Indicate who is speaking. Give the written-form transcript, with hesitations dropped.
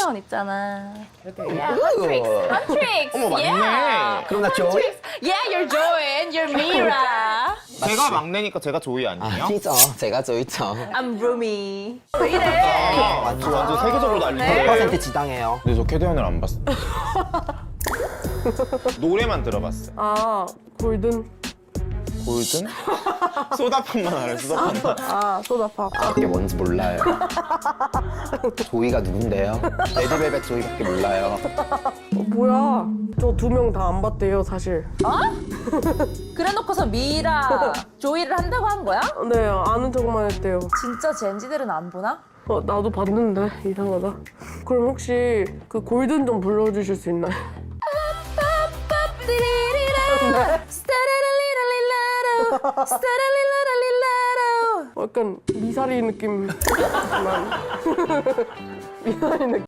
Speaker 1: 캐대원 있잖아.
Speaker 2: 캐대원.
Speaker 1: Huntrix.
Speaker 2: 어머, 맞네.
Speaker 3: 그럼 나 조이?
Speaker 1: Yeah, you're Joanne. You're Mira.
Speaker 2: 제가 막내니까 제가 조이 아니에요?
Speaker 3: 아니죠. 제가 조이죠.
Speaker 1: I'm Rumi. 왜 이래?
Speaker 2: 완전 세계적으로 난리네.
Speaker 3: 100% 지당해요.
Speaker 2: 근데 저 캐대원을 안 봤어. 노래만 들어봤어요.
Speaker 4: 아, 골든.
Speaker 2: 골든? 소다팝만 알아요, 소다팝만.
Speaker 4: 아, 소다팝.
Speaker 3: 그게 뭔지 몰라요. 조이가 누군데요? 레드벨벳 조이밖에 몰라요.
Speaker 4: 뭐야? 저 2명 다 안 봤대요, 사실.
Speaker 1: 그래놓고서 미라, 조이를 한다고 한 거야?
Speaker 4: 네, 아는 척만 했대요.
Speaker 1: 진짜 젠지들은 안 보나?
Speaker 4: 나도 봤는데 이상하다. 그럼 혹시 그 골든 좀 불러주실 수 있나요? 약간 미사리 느낌. 미사리 느낌.